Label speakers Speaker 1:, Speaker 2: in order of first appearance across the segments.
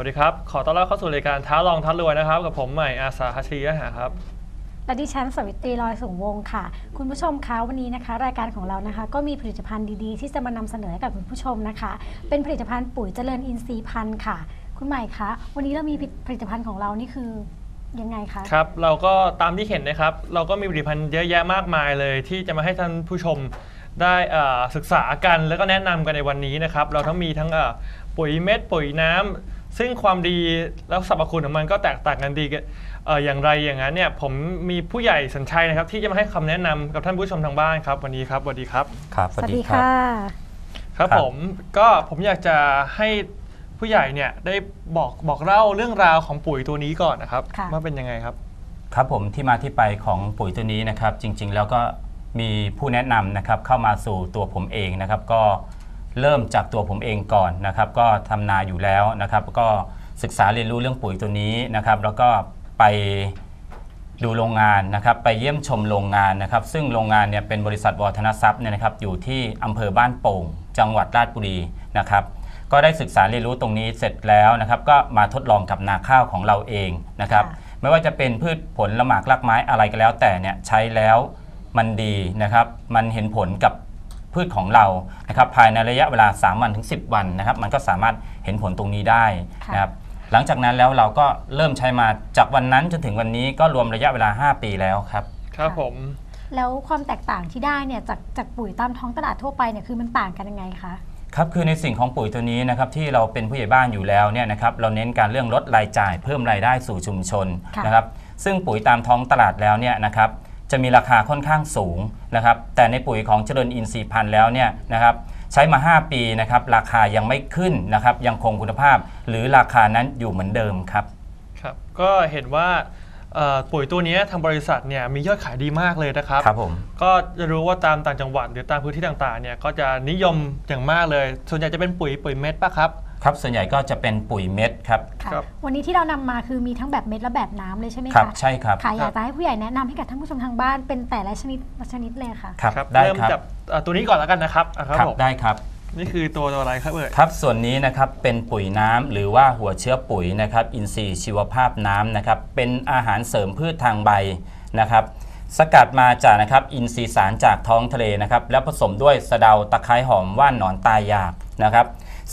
Speaker 1: วัสดีครับขอต้อนรับเข้าสู่รายการท้าลองท้ารวยนะครับกับผมใหม่อาสาฮัชรียะหาครับ
Speaker 2: และดิฉันสวิตรีลอยสูงวงค่ะคุณผู้ชมคะวันนี้นะคะรายการของเรานะคะก็มีผลิตภัณฑ์ดีๆที่จะมานำเสนอให้กับคุณผู้ชมนะคะเป็นผลิตภัณฑ์ปุ๋ยเจริญอินทรีย์พันธุ์ค่ะคุณใหม่คะวันนี้เรามีผลิตภัณฑ์ของเรานี่คือยังไงคะ
Speaker 1: ครับเราก็ตามที่เห็นนะครับเราก็มีผลิตภัณฑ์เยอะแยะมากมายเลยที่จะมาให้ท่านผู้ชมได้ศึกษากันแล้วก็แนะนำกันในวันนี้นะครับเราทั้งมีทั้งปุ๋ยเม็ดปุ๋ยน้ำซึ่งความดีแล้วสรรพคุณของมันก็แตกต่างกันดีอย่างไรอย่างนั้นเนี่ยผมมีผู้ใหญ่สัญชัยนะครับที่จะมาให้คำแนะนำกับท่านผู้ชมทางบ้านครับวันนี้ครับสวัสดีครับ
Speaker 3: ครับ
Speaker 2: สวัสดีค่ะ
Speaker 1: ครับผมอยากจะให้ผู้ใหญ่เนี่ยได้บอกเล่าเรื่องราวของปุ๋ยตัวนี้ก่อนนะครับว่าเป็นยังไงครับ
Speaker 3: ครับผมที่มาที่ไปของปุ๋ยตัวนี้นะครับจริงๆแล้วก็มีผู้แนะนำนะครับเข้ามาสู่ตัวผมเองนะครับก็เริ่มจากตัวผมเองก่อนนะครับก็ทำนาอยู่แล้วนะครับก็ศึกษาเรียนรู้เรื่องปุ๋ยตัวนี้นะครับแล้วก็ไปดูโรงงานนะครับไปเยี่ยมชมโรงงานนะครับซึ่งโรงงานเนี่ยเป็นบริษัทวัฒนทรัพย์เนี่ยนะครับอยู่ที่อำเภอบ้านโป่งจังหวัดราชบุรีนะครับก็ได้ศึกษาเรียนรู้ตรงนี้เสร็จแล้วนะครับก็มาทดลองกับนาข้าวของเราเองนะครับไม่ว่าจะเป็นพืชผลละหมากรากไม้อะไรก็แล้วแต่เนี่ยใช้แล้วมันดีนะครับมันเห็นผลกับพืชของเรานะครับภายในระยะเวลา3 วันถึง10 วันนะครับมันก็สามารถเห็นผลตรงนี้ได้นะครับหลังจากนั้นแล้วเราก็เริ่มใช้มาจากวันนั้นจนถึงวันนี้ก็รวมระยะเวลา5 ปีแล้วครับ
Speaker 1: ครับผม
Speaker 2: แล้วความแตกต่างที่ได้เนี่ยจากปุ๋ยตามท้องตลาดทั่วไปเนี่ยคือมันต่างกันยังไงคะ
Speaker 3: ครับคือในสิ่งของปุ๋ยตัวนี้นะครับที่เราเป็นผู้ใหญ่บ้านอยู่แล้วเนี่ยนะครับเราเน้นการเรื่องลดรายจ่ายเพิ่มรายได้สู่ชุมชนนะครับซึ่งปุ๋ยตามท้องตลาดแล้วเนี่ยนะครับจะมีราคาค่อนข้างสูงนะครับแต่ในปุ๋ยของเจริญอินทรีย์พันธุ์แล้วเนี่ยนะครับใช้มา5 ปีนะครับราคายังไม่ขึ้นนะครับยังคงคุณภาพหรือราคานั้นอยู่เหมือนเดิมครับ
Speaker 1: ครับก็เห็นว่าปุ๋ยตัวนี้ทางบริษัทเนี่ยมียอดขายดีมากเลยนะครับ
Speaker 3: ครับผม
Speaker 1: ก็จะรู้ว่าตามต่างจังหวัดหรือตามพื้นที่ต่างๆเนี่ยก็จะนิยมอย่างมากเลยส่วนใหญ่จะเป็นปุ๋ยเม็ดป่ะครับ
Speaker 3: ครับส่วนใหญ่ก็จะเป็นปุ๋ยเม็ดครับ
Speaker 2: วันนี้ที่เรานำมาคือมีทั้งแบบเม็ดและแบบน้ำเลยใช่ไหมคะ
Speaker 3: ครับใช่ครับ
Speaker 2: ค่ะอยากจะให้ผู้ใหญ่แนะนำให้กับท่านผู้ชมทางบ้านเป็นแต่ละชนิดเลยค่ะ
Speaker 3: ครับได้ครับ
Speaker 1: เริ่มจากตัวนี้ก่อนแล้วกันนะครับ
Speaker 3: ครับได้ครับ
Speaker 1: นี่คือตัวอะไรครับ
Speaker 3: ครับส่วนนี้นะครับเป็นปุ๋ยน้ำหรือว่าหัวเชื้อปุ๋ยนะครับอินทรีย์ชีวภาพน้ำนะครับเป็นอาหารเสริมพืชทางใบนะครับสกัดมาจากนะครับอินทรีย์สารจากท้องทะเลนะครับแล้วผสมด้วยสะเดาตะไคร้หอมว่านหนอนตายอยากนะครับ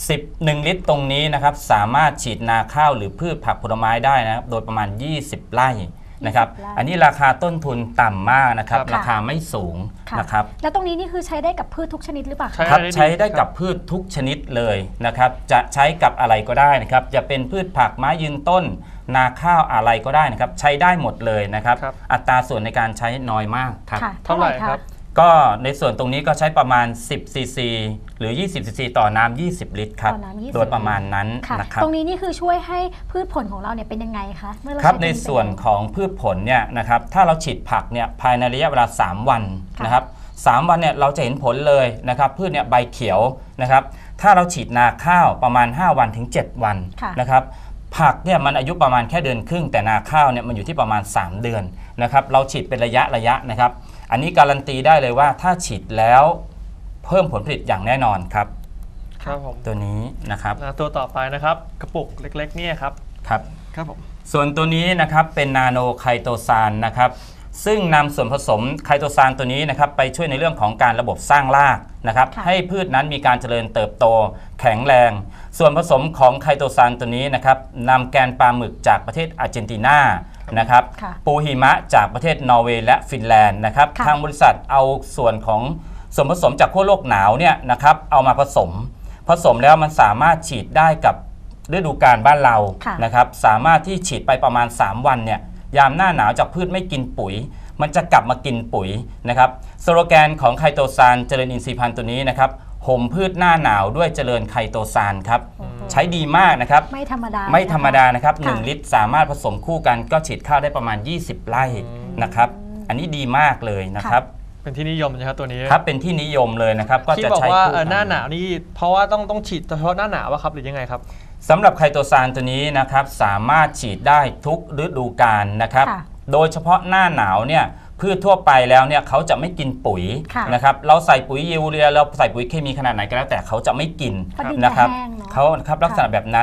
Speaker 3: 1 ลิตรตรงนี้นะครับสามารถฉีดนาข้าวหรือพืชผักผลไม้ได้นะครับโดยประมาณ20 ไร่นะครับอันนี้ราคาต้นทุนต่ำมากนะครับราคาไม่สูงนะครับ
Speaker 2: แล้วตรงนี้นี่คือใช้ได้กับพืชทุกชนิดหรือเปล่า
Speaker 3: ครับใช้ได้กับพืชทุกชนิดเลยนะครับจะใช้กับอะไรก็ได้นะครับจะเป็นพืชผักไม้ยืนต้นนาข้าวอะไรก็ได้นะครับใช้ได้หมดเลยนะครับอัตราส่วนในการใช้น้อยมากครับ
Speaker 2: เท่าไหร่ครับ
Speaker 3: ก็ในส่วนตรงนี้ก็ใช้ประมาณ10 ซีซีหรือ20 ซีซีต่อน้ำ20 ลิตรครับโดยประมาณนั้นนะครับ
Speaker 2: ตรงนี้นี่คือช่วยให้พืชผลของเราเนี่ยเป็นยังไงคะเมื่อเรา
Speaker 3: ครับในส่วนของพืชผลเนี่ยนะครับถ้าเราฉีดผักเนี่ยภายในระยะเวลา3 วันนะครับ3 วันเนี่ยเราจะเห็นผลเลยนะครับพืชเนี่ยใบเขียวนะครับถ้าเราฉีดนาข้าวประมาณ5 วันถึง7 วันนะครับผักเนี่ยมันอายุประมาณแค่เดือนครึ่งแต่นาข้าวเนี่ยมันอยู่ที่ประมาณ3 เดือนนะครับเราฉีดเป็นระยะนะครับอันนี้การันตีได้เลยว่าถ้าฉีดแล้วเพิ่มผลผลิตอย่างแน่นอนครับ
Speaker 1: ครับผม
Speaker 3: ตัวนี้นะครับ
Speaker 1: ตัวต่อไปนะครับกระปุกเล็กๆเนี่ยครับ
Speaker 3: ครับผมส่วนตัวนี้นะครับเป็นนาโนไคโตซานนะครับซึ่งนำส่วนผสมไคโตซานตัวนี้นะครับไปช่วยในเรื่องของการระบบสร้างรากนะครับให้พืชนั้นมีการเจริญเติบโตแข็งแรงส่วนผสมของไคโตซานตัวนี้นะครับนำแกนปลาหมึกจากประเทศอาร์เจนตินานะครับปูหิมะจากประเทศนอร์เวย์และฟินแลนด์นะครับทางบริษัทเอาส่วนของส่วนผสมจากขั้วโลกหนาวเนี่ยนะครับเอามาผสมแล้วมันสามารถฉีดได้กับฤดูกาลบ้านเรานะครับสามารถที่ฉีดไปประมาณ3 วันเนี่ยยามหน้าหนาวจากพืชไม่กินปุ๋ยมันจะกลับมากินปุ๋ยนะครับสโลแกนของไคโตซานเจริญอินทรีย์พันธุ์ตัวนี้นะครับห่มพืชหน้าหนาวด้วยเจริญไคโตซานครับใช้ดีมากนะครับ
Speaker 2: ไม่ธรร
Speaker 3: มดานะครับ1 ลิตรสามารถผสมคู่กันก็ฉีดข้าวได้ประมาณ20 ไร่นะครับอันนี้ดีมากเลยนะครับ
Speaker 1: เป็นที่นิยมนะครับตัวนี้
Speaker 3: ครับเป็นที่นิยมเลยนะครับก็จะใช้
Speaker 1: คู่กันหน้าหนาวนี่เพราะว่าต้องฉีดเฉพาะหน้าหนาววะครับหรือยังไงครับ
Speaker 3: สำหรับไคโตซานตัวนี้นะครับสามารถฉีดได้ทุกฤดูกาลนะครับโดยเฉพาะหน้าหนาวเนี่ยพืชทั่วไปแล้วเนี่ยเขาจะไม่กินปุ๋ยนะครับเราใส่ปุ๋ยยูเรียเราใส่ปุ๋ยเคมีขนาดไหนก็แล้วแต่เขาจะไม่กินนะครับเขาครับลักษณะแบบนั้น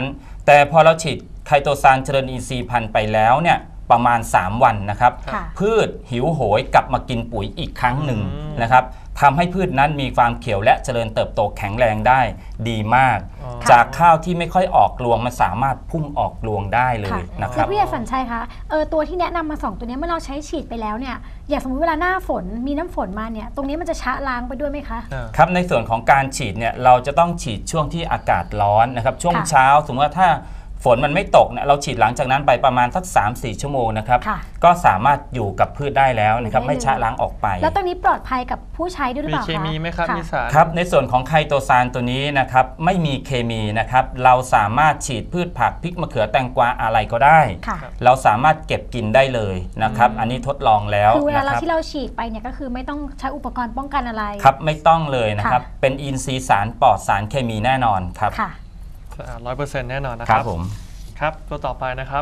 Speaker 3: แต่พอเราฉีดไคโตซานเจริญอินทรีย์พันธุ์ไปแล้วเนี่ยประมาณ3 วันนะครับ
Speaker 2: ค่ะ
Speaker 3: พืชหิวโหยกลับมากินปุ๋ยอีกครั้งหนึ่งนะครับทำให้พืชนั้นมีความเขียวและเจริญเติบโตแข็งแรงได้ดีมาก
Speaker 1: อ๋อ
Speaker 3: จากข้าวที่ไม่ค่อยออกรวงมันสามารถพุ่งออกรวงได้เลย
Speaker 2: ค่ะ
Speaker 3: นะค
Speaker 2: คื
Speaker 3: รั
Speaker 2: อบ พี่สัญชัยคะตัวที่แนะนำมา2ตัวนี้เมื่อเราใช้ฉีดไปแล้วเนี่ยอย่างสมมติเวลาหน้าฝนมีน้ำฝนมาเนี่ยตรงนี้มันจะชะล้างไปด้วยไหมคะ
Speaker 3: ครับในส่วนของการฉีดเนี่ยเราจะต้องฉีดช่วงที่อากาศร้อนนะครับช่วง
Speaker 2: ค่ะ
Speaker 3: เช้าสมมติว่าถ้าฝนมันไม่ตกเนี่ยเราฉีดหลังจากนั้นไปประมาณสัก 3-4 ชั่วโมงนะครับ
Speaker 2: ค่ะ
Speaker 3: ก็สามารถอยู่กับพืชได้แล้วนะครับ
Speaker 2: อยู่ได้
Speaker 3: ไม่ชะล้างออกไป
Speaker 2: แล้วตรงนี้ปลอดภัยกับผู้ใช้ด้วยหรือ
Speaker 1: มี
Speaker 2: เปล่า
Speaker 1: เค
Speaker 2: คะ
Speaker 1: มีไหมครับ
Speaker 2: ะ
Speaker 1: มีสาร
Speaker 3: ครับในส่วนของไคโตซานตัวนี้นะครับไม่มีเคมีนะครับเราสามารถฉีดพืชผักพริกมะเขือแตงกวาอะไรก็ได้
Speaker 2: ค่ะ
Speaker 3: เราสามารถเก็บกินได้เลยนะครับอันนี้ทดลองแล้ว
Speaker 2: คือเวลา
Speaker 3: นะ
Speaker 2: เรา
Speaker 3: ครับ
Speaker 2: ที่เราฉีดไปเนี่ยก็คือไม่ต้องใช้อุปกรณ์ป้องกันอะไร
Speaker 3: ครับไม่ต้องเลยนะครับ
Speaker 2: ค่ะ
Speaker 3: เป็นอินทรีย์สารปลอดสารเคมีแน่นอนครับ
Speaker 2: ค่ะ
Speaker 1: 100%แน่นอนนะ
Speaker 3: ค
Speaker 1: ค
Speaker 3: รั
Speaker 1: รั
Speaker 3: บบ ผม
Speaker 1: ครับตัวต่อไปนะครับ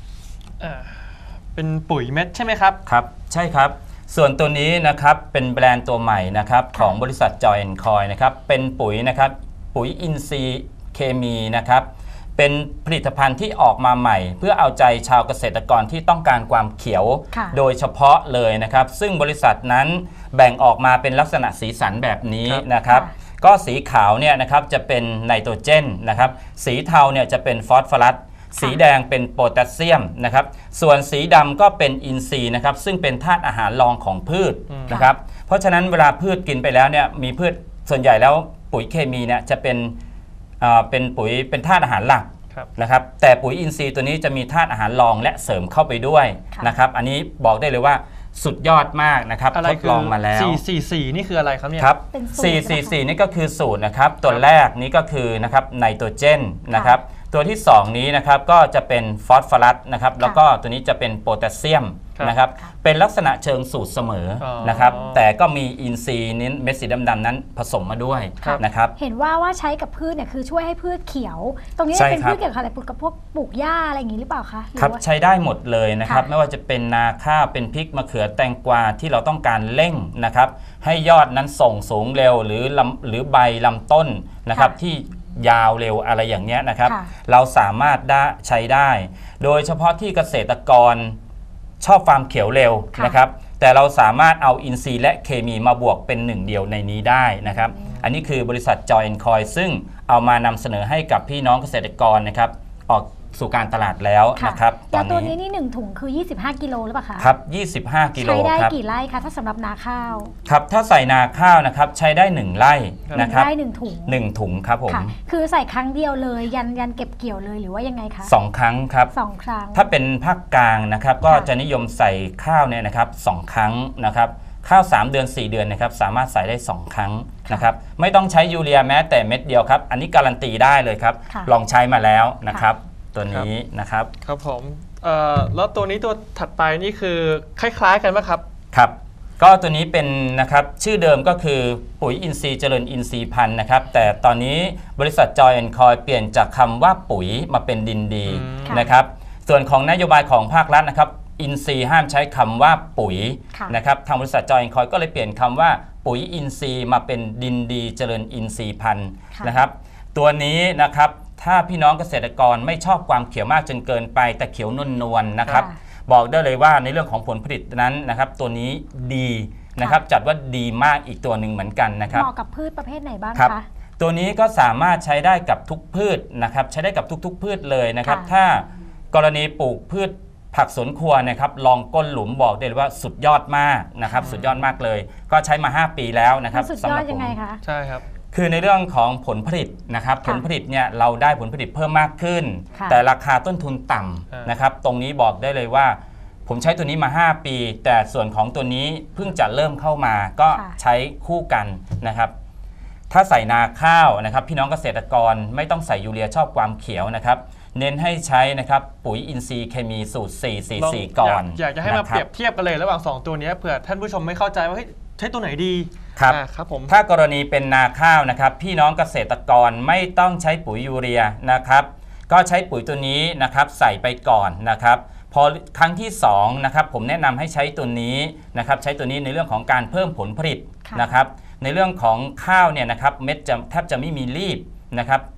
Speaker 1: เป็นปุ๋ยเม็ดใช่ไหมครับ
Speaker 3: ครับใช่ครับส่วนตัวนี้นะครับเป็นแบรนด์ตัวใหม่นะครับของบริษัทจอยแอนด์คอยนะครับเป็นปุ๋ยนะครับปุ๋ยอินทรีย์เคมีนะครับเป็นผลิตภัณฑ์ที่ออกมาใหม่ เพื่อเอาใจชาวเกษตรกรที่ต้องการความเขียว
Speaker 2: ค่ะ
Speaker 3: โดยเฉพาะเลยนะครับซึ่งบริษัทนั้นแบ่งออกมาเป็นลักษณะสีสันแบบนี้
Speaker 1: ครับ
Speaker 3: นะครับ
Speaker 2: ค่ะ
Speaker 3: ก็สีขาวเนี่ยนะครับจะเป็นไนโตรเจนนะครับสีเทาเนี่ยจะเป็นฟอสฟอรัสสีแดงเป็นโพแทสเซียมนะครับส่วนสีดำก็เป็นอินทรีย์นะครับซึ่งเป็นธาตุอาหารรองของพืชนะครับเพราะฉะนั้นเวลาพืชกินไปแล้วเนี่ยมีพืชส่วนใหญ่แล้วปุ๋ยเคมีเนี่ยจะเป็นปุ๋ยเป็นธาตุอาหารหลัก
Speaker 1: ครับ
Speaker 3: นะครับแต่ปุ๋ยอินทรีย์ตัวนี้จะมีธาตุอาหารรองและเสริมเข้าไปด้วย
Speaker 2: ค่ะ
Speaker 3: นะครับอันนี้บอกได้เลยว่าสุดยอดมากนะครับ
Speaker 1: อะไร
Speaker 3: ทด
Speaker 1: คือ
Speaker 3: ลองมาแล้ว
Speaker 1: 444นี่คืออะไรครับเนี่ย
Speaker 3: ครับ
Speaker 2: เป็นสูตรนะคะ
Speaker 3: 444 นี่ก็คือสูตรนะครับ ตัวแรกนี้ก็คือนะครับไนโตรเจนนะครับ ตัวที่ 2 นี้นะครับก็จะเป็นฟอสฟอรัสนะครับ แล้วก็ตัวนี้จะเป็นโพแทสเซียม
Speaker 1: ครับ
Speaker 3: นะครับ เป็นลักษณะเชิงสูตรเสมอ
Speaker 1: อ๋อ
Speaker 3: นะครับ แต่ก็มีอินทรีย์นี้เม็ดสีดำๆนั้นผสมมาด้วย
Speaker 2: ครับ
Speaker 3: นะครับ
Speaker 2: เห็นว่าใช้กับพืชเนี่ยคือช่วยให้พืชเขียว ตรงนี้
Speaker 3: ใช่
Speaker 2: เป็น
Speaker 3: ครับ
Speaker 2: พืชเกี่ยวกับอะไรกับพวกปลูกหญ้าอะไรอย่างนี้หรือเปล่าคะหรือ
Speaker 3: ครับ
Speaker 2: ว่า
Speaker 3: ใช้ได้หมดเลยนะครับ
Speaker 2: ค่ะ
Speaker 3: ไม่ว่าจะเป็นนาข้าวเป็นพริกมะเขือแตงกวาที่เราต้องการเร่งนะครับให้ยอดนั้นส่งสูงเร็วหรือใบลำต้นนะครับที่ยาวเร็วอะไรอย่างเนี้ยนะครับ
Speaker 2: ค่ะ
Speaker 3: เราสามารถใช้ได้ โดยเฉพาะที่เกษตรกรชอบความเขียวเร็ว
Speaker 2: ค่ะ
Speaker 3: นะครับแต่เราสามารถเอาอินทรีย์และเคมีมาบวกเป็นหนึ่งเดียวในนี้ได้นะครับอันนี้คือบริษัทจอยแอนด์คอยซึ่งเอามานำเสนอให้กับพี่น้องเกษตรกรนะครับออกสู่การตลาดแล้ว
Speaker 2: ค่ะ
Speaker 3: นะครับต
Speaker 2: แล้
Speaker 3: อ
Speaker 2: วน ตัว
Speaker 3: นี้
Speaker 2: นี้นี่1ถุงคือ25กิโลหรือเปล่าคะ
Speaker 3: ครับ 25 กิโล
Speaker 2: ใช้ได้
Speaker 3: ครับ
Speaker 2: กี่ไร่คะถ้าสำหรับนาข้าว
Speaker 3: ครับ ถ้าใส่นาข้าวนะครับใช้ได้ 1 ไร่นะครับ
Speaker 2: ได้1ถุง
Speaker 3: 1 ถุงครับผม
Speaker 2: ค่ะ คือใส่ครั้งเดียวเลยยันเก็บเกี่ยวเลยหรือว่ายังไงคะ
Speaker 3: 2 ครั้งครับ
Speaker 2: 2 ครั้ง
Speaker 3: ถ้าเป็นภาคกลางนะครับก็
Speaker 2: ค่ะ
Speaker 3: จะนิยมใส่ข้าวเนี่ยนะครับ2 ครั้งนะครับข้าว 3 เดือน 4 เดือนนะครับสามารถใส่ได้ 2 ครั้งนะครับไม่ต้องใช้ยูเรียแม้แต่เม็ดเดียวครับ อันนี้การันตีได้เลยครับ
Speaker 2: ค่ะ
Speaker 3: ลองใช้มาแล้วนะครับตัวนี้นะครับ
Speaker 1: ครับผมแล้วตัวนี้ตัวถัดไปนี่คือคล้ายๆกันไหมครับ
Speaker 3: ครับก็ตัวนี้เป็นนะครับชื่อเดิมก็คือปุ๋ยอินทรีย์เจริญอินทรีย์พันธุ์นะครับแต่ตอนนี้บริษัทจอยแอนด์คอยเปลี่ยนจากคำว่าปุ๋ยมาเป็นดินดี
Speaker 2: ค่ะ
Speaker 3: นะครับส่วนของนโยบายของภาครัฐนะครับอินทรีย์ห้ามใช้คำว่าปุ๋ย
Speaker 2: ค่ะ
Speaker 3: นะครับทางบริษัทจอยแอนด์คอยก็เลยเปลี่ยนคำว่าปุ๋ยอินทรีย์มาเป็นดินดีเจริญอินทรีย์พันธุ์
Speaker 2: ค่ะ
Speaker 3: นะครับตัวนี้นะครับถ้าพี่น้องเกษตรกรไม่ชอบความเขียวมากจนเกินไปแต่เขียวนวลๆนะครับ
Speaker 2: ค่ะ
Speaker 3: บอกได้เลยว่าในเรื่องของผลผลิตนั้นนะครับตัวนี้ดีนะครับจัดว่าดีมากอีกตัวหนึ่งเหมือนกันนะครับ
Speaker 2: เหมาะกับพืชประเภทไหนบ้าง
Speaker 3: ครับ
Speaker 2: คะ
Speaker 3: ตัวนี้ก็สามารถใช้ได้กับทุกพืชนะครับใช้ได้กับทุกๆพืชเลยนะครับ
Speaker 2: ค่ะ
Speaker 3: ถ้ากรณีปลูกพืชผักสวนครัวนะครับลองก้นหลุมบอกได้เลยว่าสุดยอดมากนะครับสุดยอดมากเลย ก็ใช้มา 5 ปีแล้วนะครับ
Speaker 2: มันสุด
Speaker 3: สำ
Speaker 2: ย
Speaker 3: ห
Speaker 2: อ
Speaker 3: รั
Speaker 2: ด
Speaker 3: บ
Speaker 2: ยังไง
Speaker 3: ผม
Speaker 2: คะ
Speaker 1: ใช่ครับ
Speaker 3: คือในเรื่องของผลผลิตนะครับ
Speaker 2: ค่ะ
Speaker 3: ผลผลิตเนี่ยเราได้ผลผลิตเพิ่มมากขึ้น
Speaker 2: ค่ะ
Speaker 3: แต่ราคาต้นทุนต่
Speaker 1: อ่า
Speaker 3: ำ
Speaker 1: น
Speaker 3: นะครับตรงนี้บอกได้เลยว่า ผมใช้ตัวนี้มา 5 ปี แต่ส่วนของตัวนี้เพิ่งจะเริ่มเข้ามาก็ใช้คู่กันนะครับถ้าใส่นาข้าวนะครับพี่น้องเกษตรกรไม่ต้องใส่ยูเรียชอบความเขียวนะครับเน้นให้ใช้นะครับปุ๋ยอินทรีย์เคมีสูตร 444 ก่อน
Speaker 1: อยากจะให้มา
Speaker 3: นะค
Speaker 1: เปรียบเทียบกันเลยระหว่าง 2 ตัวนี้เผื่อท่านผู้ชมไม่เข้าใจว่าเฮ้ยใช้ตัวไหนดี
Speaker 3: ครับ
Speaker 1: ครับผม
Speaker 3: ถ้ากรณีเป็นนาข้าวนะครับพี่น้องเกษตรกรไม่ต้องใช้ปุ๋ยยูเรียนะครับก็ใช้ปุ๋ยตัวนี้นะครับใส่ไปก่อนนะครับพอครั้งที่2นะครับผมแนะนำให้ใช้ตัวนี้นะครับใช้ตัวนี้ในเรื่องของการเพิ่มผลผลิต
Speaker 2: ค่ะ
Speaker 3: นะครับในเรื่องของข้าวเนี่ยนะครับเม็ดจะแทบจะไม่มีรีบนะครับ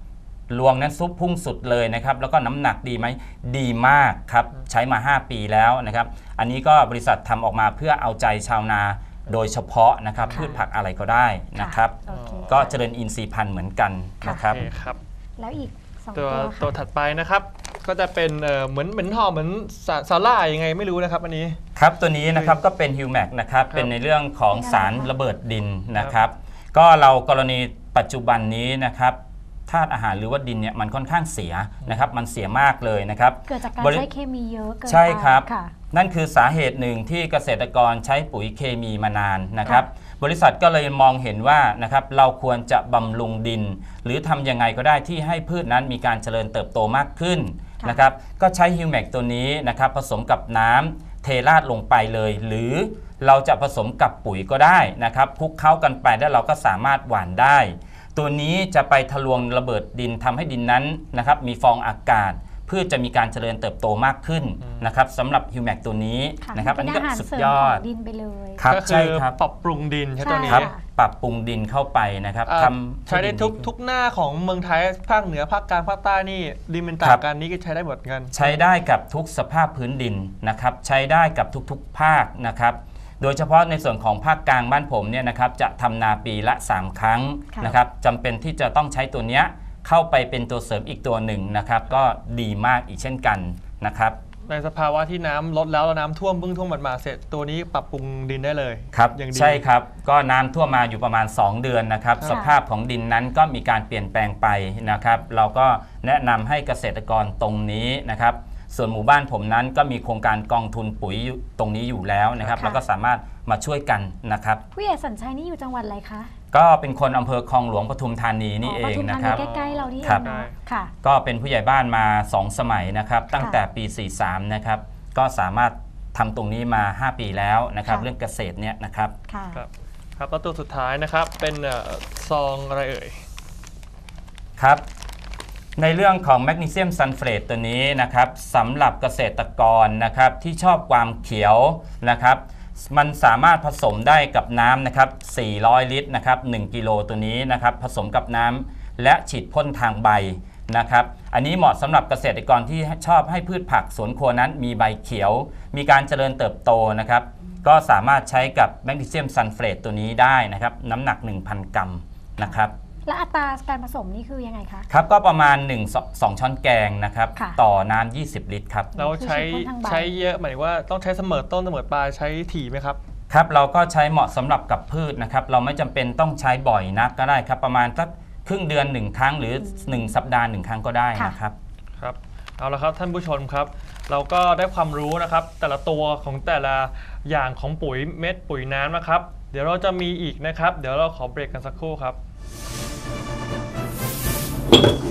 Speaker 3: รวงนั้นซุปพุ่งสุดเลยนะครับแล้วก็น้ำหนักดีไหมดีมากครับใช้มา 5 ปีแล้วนะครับอันนี้ก็บริษัททำออกมาเพื่อเอาใจชาวนาโดยเฉพาะนะครับพืชผักอะไรก็ได้นะครับ
Speaker 2: โอเค
Speaker 3: ก็เจริญอินทรีย์พันธุ์เหมือนกันนะครับ
Speaker 1: โอเคครับ
Speaker 2: แล้วอีก2
Speaker 1: ตั
Speaker 2: ตัว ว
Speaker 1: ตัว
Speaker 2: ค่ะ
Speaker 1: ถัดไปนะครับ ก็จะเป็นเหมือนห่อเหมือนสาล่ายยังไงไม่รู้นะครับอันนี้
Speaker 3: ครับตัวนี้นะครับก็เป็นฮิวแมกนะครับเป็นในเรื่องของสารระเบิดดินนะครับก็เรากรณีปัจจุบันนี้นะครับธาตุอาหารหรือว่าดินเนี่ยมันค่อนข้างเสียนะครับมันเสียมากเลยนะครับ
Speaker 2: เกิดจากการใช้เคมีเยอะเกินไป
Speaker 3: ใช่ครับ
Speaker 2: ค่ะ
Speaker 3: นั่นคือสาเหตุหนึ่งที่เกษตรกรใช้ปุ๋ยเคมีมานานนะครับบริษัทก็เลยมองเห็นว่านะครับเราควรจะบำรุงดิน หรือทำยังไงก็ได้ที่ให้พืชนั้นมีการเจริญเติบโตมากขึ้นนะครับก็ใช้ฮิวแมกตัวนี้นะครับผสมกับน้ำเทราดลงไปเลย หรือเราจะผสมกับปุ๋ยก็ได้นะครับคลุกเคล้ากันไปแล้วเราก็สามารถหว่านได้ ตัวนี้จะไปทะลวงระเบิดดินทำให้ดินนั้นนะครับมีฟองอากาศเพื่อจะมีการเจริญเติบโตมากขึ้นนะครับสำหรับฮิวแมกตัวนี้นะครับอันนี้ก็สุดยอด
Speaker 2: ดินไปเลย
Speaker 3: ครับ
Speaker 1: ก็คื
Speaker 3: ใช่
Speaker 1: อ
Speaker 3: ครับ
Speaker 1: ปรับปรุงดินใช่ตัวนี้
Speaker 3: ครับปรับปรุงดินเข้าไปนะครับทำ
Speaker 1: ใช้ได้ทุกหน้าของเมืองไทยภาคเหนือภาคกลางภาคใต้นี่ดินเป็นต่างกันนี่ก็ใช้ได้หมดกัน
Speaker 3: ใช้ได้กับทุกสภาพพื้นดินนะครับใช้ได้กับทุกๆภาคนะครับโดยเฉพาะในส่วนของภาคกลางบ้านผมเนี่ยนะครับจะทำนาปีละ3 ครั้งนะครับจำเป็นที่จะต้องใช้ตัวเนี้ยเข้าไปเป็นตัวเสริมอีกตัวหนึ่งนะครับก็ดีมากอีกเช่นกันนะครับ
Speaker 1: ในสภาวะที่น้ำลดแล้วน้ำท่วมเพิ่งท่วมมาเสร็จตัวนี้ปรับปรุงดินได้เลย
Speaker 3: ครับ
Speaker 1: อย่างดี
Speaker 3: ใช่ครับก็น้ำท่วมมาอยู่ประมาณ 2 เดือนนะครับสภาพของดินนั้นก็มีการเปลี่ยนแปลงไปนะครับเราก็แนะนำให้เกษตรกรตรงนี้นะครับส่วนหมู่บ้านผมนั้นก็มีโครงการกองทุนปุ๋ยตรงนี้อยู่แล้วนะครับแล้วก็สามารถมาช่วยกันนะครับ
Speaker 2: ผู้ใหญ่สัญชัยนี่อยู่จังหวัดอะไรคะ
Speaker 3: ก็เป็นคนอำเภอคลองหลวงปทุมธานีนี่เอง
Speaker 2: ปทุม
Speaker 3: นะ
Speaker 2: ธา
Speaker 3: ครับ
Speaker 2: ใกล้ๆเรานี่เอ
Speaker 3: ครั
Speaker 2: ง
Speaker 3: บ
Speaker 2: เนาะค่ะ
Speaker 3: ก็เป็นผู้ใหญ่บ้านมา 2 สมัยนะครับตั้งแต่ปี 43 นะครับก็สามารถทำตรงนี้มา 5 ปีแล้วนะครับเรื่องเกษตรเนี่ยนะครับ
Speaker 2: ค่ะ
Speaker 1: ครับครับแล้วตัวสุดท้ายนะครับเป็นซองอะไรเอ่ย
Speaker 3: ครับในเรื่องของแมกนีเซียมซัลเฟตตัวนี้นะครับสำหรับเกษตรกรนะครับที่ชอบความเขียวนะครับมันสามารถผสมได้กับน้ำนะครับ400 ลิตรนะครับ1กิโลตัวนี้นะครับผสมกับน้ำและฉีดพ่นทางใบนะครับอันนี้เหมาะสำหรับเกษตรกรที่ชอบให้พืชผักสวนครัวนั้นมีใบเขียวมีการเจริญเติบโตนะครับก็สามารถใช้กับแมกนีเซียมซัลเฟตตัวนี้ได้นะครับน้ำหนัก 1,000 กรัมนะครับ
Speaker 2: และอัตราการผสมนี่คือยังไงคะ
Speaker 3: ครับก็ประมาณ1-2 ช้อนแกงนะครับ
Speaker 2: ค่ะ
Speaker 3: ต่อน้ำ20 ลิตรครับ
Speaker 1: เราใช้
Speaker 2: คือฉีดพ่นทางใบ
Speaker 1: ใช้เยอะหมายถึงว่าต้องใช้เสมอต้นเสมอปลายใช้ถี่ไหมครับ
Speaker 3: ครับเราก็ใช้เหมาะสำหรับกับพืชนะครับเราไม่จำเป็นต้องใช้บ่อยนักก็ได้ครับประมาณสักครึ่งเดือน1 ครั้งหรือ1 สัปดาห์1 ครั้งก็ได้นะครับ
Speaker 1: ครับเอาละครับท่านผู้ชมครับ เราก็ได้ความรู้นะครับแต่ละตัวของแต่ละอย่างของปุ๋ยเม็ดปุ๋ยน้ำนะครับเดี๋ยวเราจะมีอีกนะครับเดี๋ยวเราขอเบรกกันสักครู่ครับ